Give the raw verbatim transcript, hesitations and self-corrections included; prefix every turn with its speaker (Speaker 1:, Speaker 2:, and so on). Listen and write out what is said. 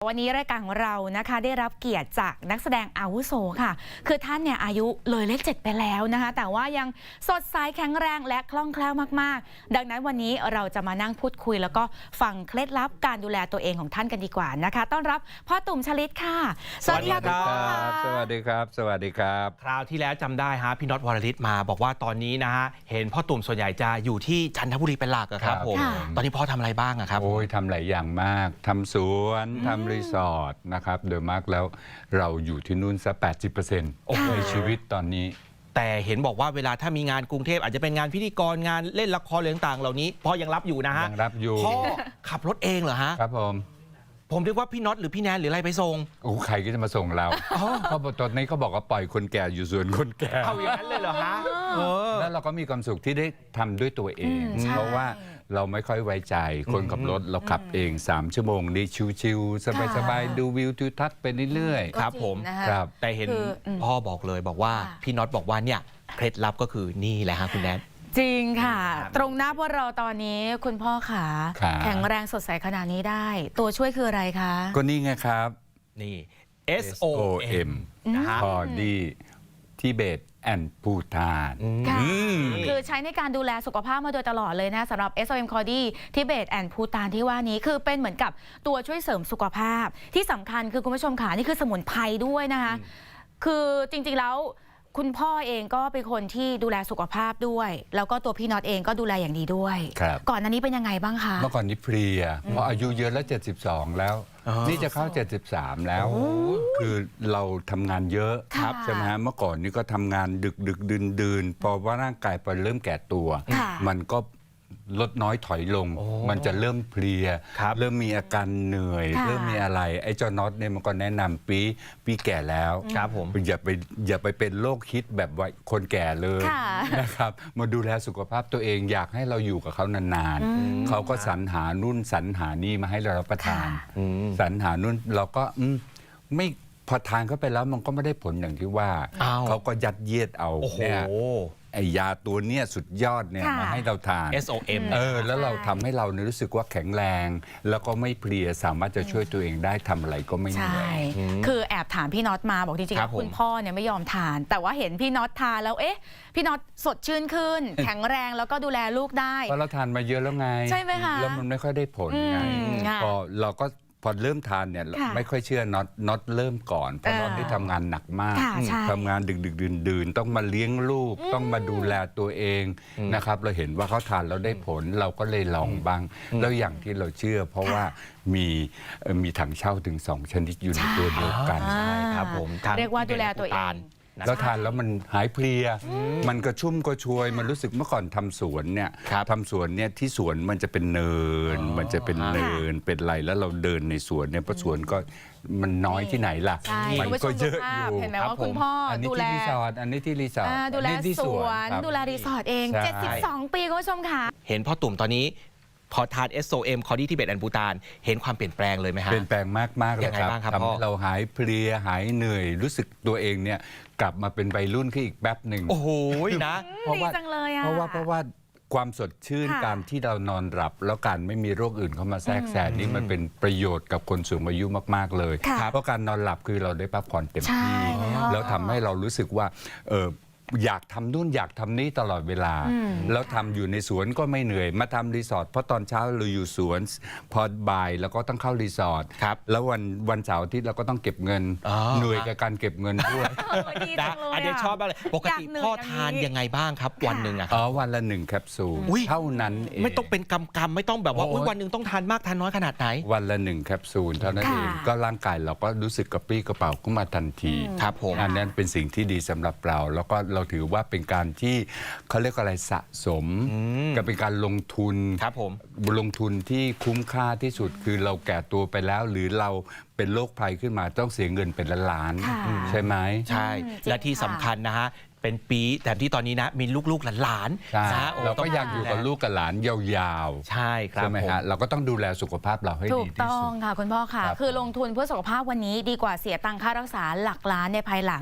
Speaker 1: วันนี้รายการของเรานะคะได้รับเกียรติจากนักแสดงอาวุโสค่ะคือท่านเนี่ยอายุเลยเลขเจ็ดไปแล้วนะคะแต่ว่ายังสดใสแข็งแรงและคล่องแคล่วมากๆดังนั้นวันนี้เราจะมานั่งพูดคุยแล้วก็ฟังเคล็ดลับการดูแลตัวเองของท่านกันดีกว่านะคะต้อนรับพ่อตุ่มชลิตค่ะ
Speaker 2: สวัสดีครับสวัสดีครับสวัสดีครับ
Speaker 3: คราวที่แล้วจำได้ฮะพี่น็อตวรลิตมาบอกว่าตอนนี้นะฮะเห็นพ่อตุ่มส่วนใหญ่จะอยู่ที่จันทบุรีเป็นหลักครับผมตอนนี้พ่อทำอะไรบ้างครับ
Speaker 2: โอ้ยทำหลายอย่างมากทำสวนทำรีสอร์ทนะครับโดยมากแล้วเราอยู่ที่นู่นซะ แปดสิบเปอร์เซ็นต์ ในชีวิตตอนนี้
Speaker 3: แต่เห็นบอกว่าเวลาถ้ามีงานกรุงเทพอาจจะเป็นงานพิธีกรงานเล่นละครเรื่องต่างเหล่านี้พ่อยังรับอยู่นะฮะ
Speaker 2: ยังรับอยู่
Speaker 3: พ่อขับรถเองเหรอฮะ
Speaker 2: ครับผม
Speaker 3: ผมเรียกว่าพี่น็อตหรือพี่แนนหรืออะไรไปส่ง
Speaker 2: โอ้ใครก็จะมาส่งเราเพราะตอนนี้เขาบอกว่าปล่อยคนแก่อยู่ส่วนคนแก่
Speaker 3: เอาอย่างนั้นเลยเหรอฮะ
Speaker 2: แล้วเราก็มีความสุขที่ได้ทำด้วยตัวเองเพราะว่าเราไม่ค่อยไว้ใจคนขับรถเราขับเองสามชั่วโมงนี่ชิวๆสบายๆดูวิวทิวทัศน์ไปเรื่อย
Speaker 3: ๆครับผม
Speaker 2: ครับ
Speaker 3: แต่เห็นพ่อบอกเลยบอกว่าพี่น็อตบอกว่าเนี่ยเคล็ดลับก็คือนี่แหละฮะคุณแนน
Speaker 1: จริงค่ะตรงหน้าพวกเราตอนนี้คุณพ่อขาแข็งแรงสดใสขนาดนี้ได้ตัวช่วยคืออะไรคะ
Speaker 2: ก็นี่ไงครับ
Speaker 3: นี่ เอส โอ
Speaker 2: เอ็ม พอดีทิเบตแอนด์ภูฏาน
Speaker 1: คือใช้ในการดูแลสุขภาพมาโดยตลอดเลยนะสำหรับ เอส โอ เอ็ม คอดี้ทิเบตแอนด์ภูฏานที่ว่านี้คือเป็นเหมือนกับตัวช่วยเสริมสุขภาพที่สำคัญคือคุณผู้ชมขานี่คือสมุนไพรด้วยนะคะคือจริงๆแล้วคุณพ่อเองก็เป็นคนที่ดูแลสุขภาพด้วยแล้วก็ตัวพี่น็อตเองก็ดูแลอย่างดีด้วยก่อนหน้านี้เป็นยังไงบ้างคะ
Speaker 2: เมื่อก่อนนี้เพลียเพราะอายุเยอะแล้วเจ็ดสิบสองแล้วนี่จะเข้าเจ็ดสิบสามแล้วคือเราทำงานเยอะใช่ไหมฮะเมื่อก่อนนี้ก็ทำงานดึกดึกดื่นดื่นพอว่าร่างกายพอเริ่มแก่ตัวมันก็ลดน้อยถอยลงมันจะเริ่มเพลียเริ่มมีอาการเหนื่อยเริ่มมีอะไรไอ้เจ้าน็อตเนี่ยมันก็แนะนำปีปีแก่แล้ว
Speaker 3: ครับผม
Speaker 2: อย่าไปอย่าไปเป็นโรคคิดแบบว่าคนแก่เลยนะครับมาดูแลสุขภาพตัวเองอยากให้เราอยู่กับเขานานๆเขาก็สรรหานู่นสรรหานี่มาให้เรารับประทานสรรหานู่นเราก็ไม่พอทานเข้าไปแล้วมันก็ไม่ได้ผลอย่างที่ว่าเขาก็ยัดเยียดเอาเนี่ยไอยาตัวเนี้ยสุดยอดเนี่ยมาให้เราทาน
Speaker 3: เอส โอ เอ็ม
Speaker 2: เออแล้วเราทำให้เรารู้สึกว่าแข็งแรงแล้วก็ไม่เพลียสามารถจะช่วยตัวเองได้ทำอะไรก็ไม่เหนื่อย
Speaker 1: คือแอบถามพี่น็อตมาบอกจริงๆคุณพ่อเนี่ยไม่ยอมทานแต่ว่าเห็นพี่น็อตทานแล้วเอ๊ะพี่น็อตสดชื่นขึ้นแข็งแรงแล้วก็ดูแลลูกได้
Speaker 2: เพราะเราทานมาเยอะแล้วไง
Speaker 1: ใช่ไหมคะ
Speaker 2: แล้วมันไม่ค่อยได้ผลไงพอเราก็พอเริ่มทานเนี่ยไม่ค่อยเชื่อน็อตน็อตเริ่มก่อนเพราะน็อตได้ทำงานหนักมากทำงานดึกดึกดื่นดื่นต้องมาเลี้ยงลูกต้องมาดูแลตัวเองนะครับเราเห็นว่าเขาทานแล้วได้ผลเราก็เลยลองบ้างแล้วอย่างที่เราเชื่อเพราะว่ามีมีถังเช่าถึงสองชนิดอยู่ในตัวเดียวกัน
Speaker 3: ใช่ครับผม
Speaker 1: เรียกว่าดูแลตัวเอง
Speaker 2: แล้วทานแล้วมันหายเพลียมันกระชุ่มกระชวยมันรู้สึกเมื่อก่อนทำสวนเนี่ยทำสวนเนี่ยที่สวนมันจะเป็นเนินมันจะเป็นเนินเป็นไรแล้วเราเดินในสวนเนี่ยเพราะสวนก็มันน้อยที่ไหนล่ะมันก็เยอะอยู่
Speaker 1: เห็นไหมว่าคุณพ่อดูแล
Speaker 2: รีสอร์ทอันนี้ที่รีสอร์ท
Speaker 1: ดูแลสวนดูแลรีสอร์ทเองเจ็ดสิบสองปีคุณผู้ชมค่ะ
Speaker 3: เห็นพ่อตุ่มตอนนี้พอทาน เอส โอ เอ็ม คอดี้ทิเบตแอนด์ภูฏานเห็นความเปลี่ยนแปลงเลยไหมฮะ
Speaker 2: เปลี่ยนแปลงมากมากเลยครับทำให้เราหายเพลียหายเหนื่อยรู้สึกตัวเองเนี่ยกลับมาเป็นวัยรุ่นขึ้นอีกแป๊บหนึ่ง
Speaker 3: โอ้โหนะ
Speaker 1: เพราะว่า
Speaker 2: เพราะว่าเพราะว่าความสดชื่นการที่เรานอนหลับแล้วการไม่มีโรคอื่นเข้ามาแทรกแซงนี่มันเป็นประโยชน์กับคนสูงอายุมากๆเลยเพราะการนอนหลับคือเราได้พักผ่อนเต็มที่แล้วทำให้เรารู้สึกว่าเอออยากทำนู่นอยากทำนี่ตลอดเวลาแล้วทำอยู่ในสวนก็ไม่เหนื่อยมาทำรีสอร์ทเพราะตอนเช้าเราอยู่สวนพอบ่ายแล้วก็ต้องเข้ารีสอร์ทแล้ววันวันเสาร์อาทิตย์เราก็ต้องเก็บเงินเหนื่อยกับการเก็บเงินด้วย
Speaker 3: อันนี้ชอบมากเลยปกติพ่อทานยังไงบ้างครับวันหนึ่งอะ
Speaker 2: อ๋อวันละหนึ่งแคปซูลเท่านั้นเอง
Speaker 3: ไม่ต้องเป็นกำกำไม่ต้องแบบว่าวันหนึ่งต้องทานมากทานน้อยขนาดไหน
Speaker 2: วันละหนึ่งแคปซูลเท่านั้นเองก็ร่างกายเราก็รู้สึกกระปรี้กระเป๋าขึ้นมาทันที
Speaker 3: ครับผม
Speaker 2: อันนั้นเป็นสิ่งที่ดีสำหรับเราแล้วก็เราถือว่าเป็นการที่เขาเรียกอะไรสะสมกับเป็นการลงทุน
Speaker 3: ครับผม
Speaker 2: ลงทุนที่คุ้มค่าที่สุดคือเราแก่ตัวไปแล้วหรือเราเป็นโรคภัยขึ้นมาต้องเสียเงินเป็นล้านๆใช่ไหม
Speaker 3: ใช่และที่สำคัญนะฮะเป็นปีแต่ที่ตอนนี้นะมีลูกๆหลาน
Speaker 2: ๆนะเราก็อยากอยู่กับลูกกับหลานยาว
Speaker 3: ๆใช่ครับ
Speaker 2: ใช่ไหมฮะเราก็ต้องดูแลสุขภาพเราให้ดีที่สุด
Speaker 1: ถูกต้องค่ะคุณพ่อค่ะคือลงทุนเพื่อสุขภาพวันนี้ดีกว่าเสียตังค่ารักษาหลักล้านในภายหลัง